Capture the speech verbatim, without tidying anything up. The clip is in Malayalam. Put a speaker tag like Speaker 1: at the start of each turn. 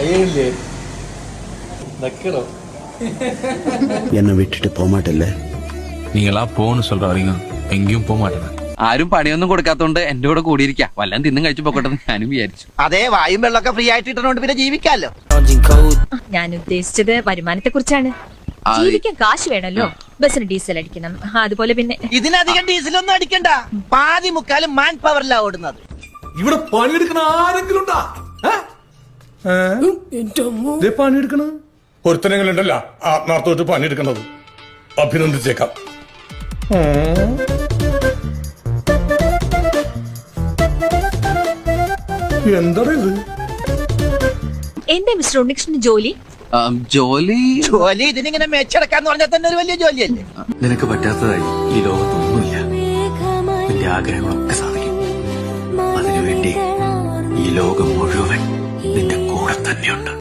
Speaker 1: என்னை விட்டுட்டு போக மாட்டேல்ல?
Speaker 2: நீங்களா போன்னு சொல்ற வரைக்கும் എങ്കിലും പോകാൻ മാറ്റണം.
Speaker 3: ആരും പണിയൊന്നും കൊടുക്കാത്തോണ്ട് എന്റെ കൂടെ കൂടിയിരിക്കാം. വല്ലതും തിന്നും കഴിച്ചു പോക്കട്ടെ ഞാനും വിചാരിച്ചു.
Speaker 4: അതെ, വായും വെള്ളമൊക്കെ ഫ്രീ ആയിട്ട് ഇട്ടുകൊണ്ട് പിന്നെ ജീവിക്കാമല്ലോ.
Speaker 5: ഞാൻ ഉദ്ദേശിച്ചത് വരുമാനത്തെ കുറിച്ചാണ്. ജീവിക്കാൻ കാശ് വേണല്ലോ. ബസ്സിന് ഡീസൽ അടിക്കണം, അതുപോലെ പിന്നെ
Speaker 4: ഇതിനധികം ഡീസലൊന്നും അടിക്കണ്ട. പാതി മുക്കാലും മാൻ പവറിലാ ഓടുന്നത്.
Speaker 6: ഇവിടെ പണിയെടുക്കണ ആരെങ്കിലും പണിയെടുക്കണ ഒരുത്തനങ്ങളുണ്ടല്ല ആത്മാർത്ഥമായിട്ട് പണിയെടുക്കണത്. അഭിനന്ദിച്ചേക്കാം. എന്താണ് ഇത്?
Speaker 5: എന്താ മിസ്റ്റർ ഉണ്ണികൃഷ്ണന് ജോലി?
Speaker 3: ജോലി
Speaker 4: ജോലി ഇതിനിങ്ങനെ മെച്ചെടുക്കാന്ന് പറഞ്ഞാൽ തന്നെ ഒരു വലിയ ജോലിയല്ലേ.
Speaker 2: നിനക്ക് പറ്റാത്തതായി ഈ ലോകത്തൊന്നുമില്ല. നിന്റെ ആഗ്രഹങ്ങളൊക്കെ സാധിക്കും. അതിനുവേണ്ടി ഈ ലോകം മുഴുവൻ നിന്റെ കൂടെ തന്നെയുണ്ട്.